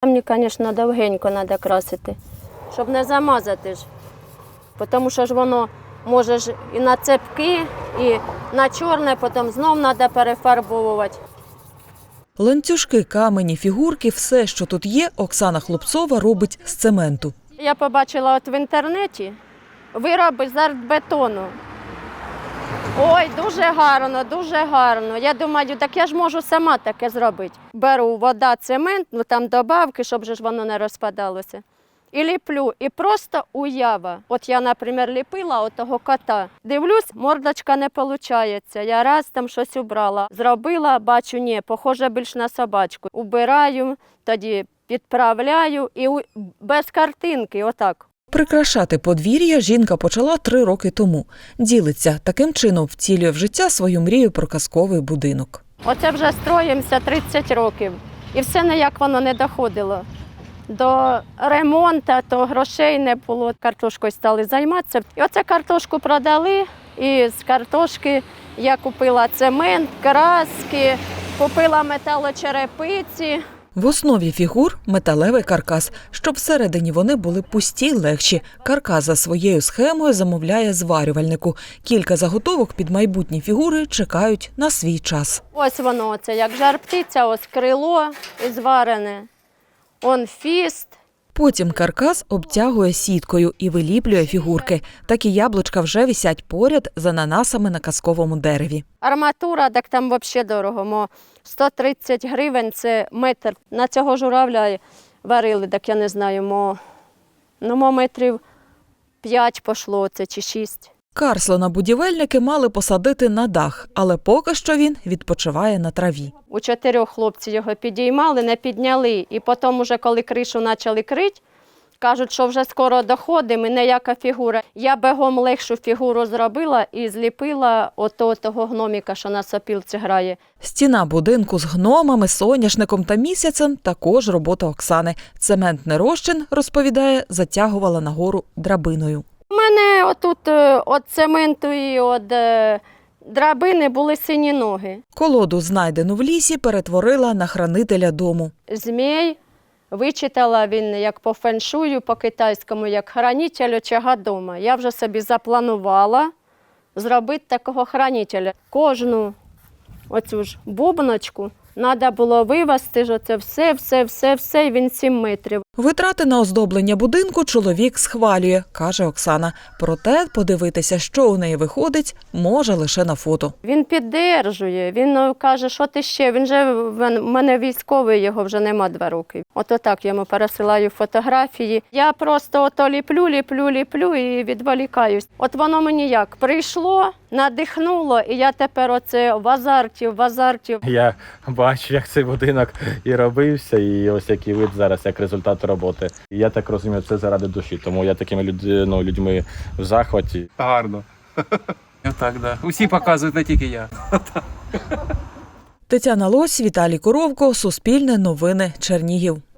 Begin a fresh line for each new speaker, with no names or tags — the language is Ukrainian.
Мені, звісно, довгенько треба красити, щоб не замазати ж. Тому що ж воно може ж і на цепки, і на чорне, потім знов треба перефарбовувати.
Ланцюжки, камені, фігурки – все, що тут є, Оксана Хлопцова робить з цементу.
Я побачила в інтернеті вироби з артбетону. Ой, дуже гарно, дуже гарно. Я думаю, так я ж можу сама таке зробити. Беру вода, цемент, там добавки, щоб ж воно не розпадалося. І ліплю, і просто уява. От я, наприклад, ліпила отого кота. Дивлюсь, мордочка не виходить. Я раз там щось убрала. Зробила, бачу, ні, похоже більш на собачку. Убираю, тоді підправляю і без картинки, отак.
Прикрашати подвір'я жінка почала 3 роки тому. Ділиться, таким чином втілює в життя свою мрію про казковий будинок.
Оце вже строїмося 30 років. І все ніяк воно не доходило. До ремонту, то грошей не було, картошкою стали займатися. І оце картошку продали, і з картошки я купила цемент, краски, купила металочерепиці.
В основі фігур – металевий каркас. Щоб всередині вони були пусті, легші. Каркас за своєю схемою замовляє зварювальнику. Кілька заготовок під майбутні фігури чекають на свій час.
Ось воно, оце як жар-птиця, ось крило і зварене. Он фіст.
Потім каркас обтягує сіткою і виліплює фігурки. Такі яблучка вже висять поряд з ананасами на казковому дереві.
Арматура, так там взагалі дорого. 130 гривень – це метр. На цього журавля варили, так я не знаю, метрів 5 пішло це чи 6.
Карслона будівельники мали посадити на дах, але поки що він відпочиває на траві.
У 4 хлопці його підіймали, не підняли. І потім, уже, коли кришу почали крити, кажуть, що вже скоро доходимо, і ніяка фігура. Я бігом легшу фігуру зробила і зліпила того гноміка, що на сопілці грає.
Стіна будинку з гномами, соняшником та місяцем – також робота Оксани. Цементний розчин, розповідає, затягувала нагору драбиною.
У мене отут від цементу і від драбини були сині ноги.
Колоду, знайдену в лісі, перетворила на хранителя дому.
Змій, вичитала він як по феншую, по-китайському, як хранитель очага дома. Я вже собі запланувала зробити такого хранителя. Кожну оцю ж бубночку треба було вивезти, що це все, і він 7 метрів.
Витрати на оздоблення будинку чоловік схвалює, каже Оксана. Проте подивитися, що у неї виходить, може лише на фото.
Він піддержує, він каже, що ти ще, він же в мене військовий, його вже нема 2 роки. Ото так йому пересилаю фотографії. Я просто ото ліплю і відволікаюсь. От воно мені як прийшло, надихнуло, і я тепер оце в азарті.
Я бачу, як цей будинок і робився, і ось який вид зараз, як результат роботи. І я так розумію, це заради душі, тому я такими людьми в захваті.
Гарно. Так, да. Усі показують, не тільки я.
Тетяна Лось, Віталій Коровко, Суспільне новини, Чернігів.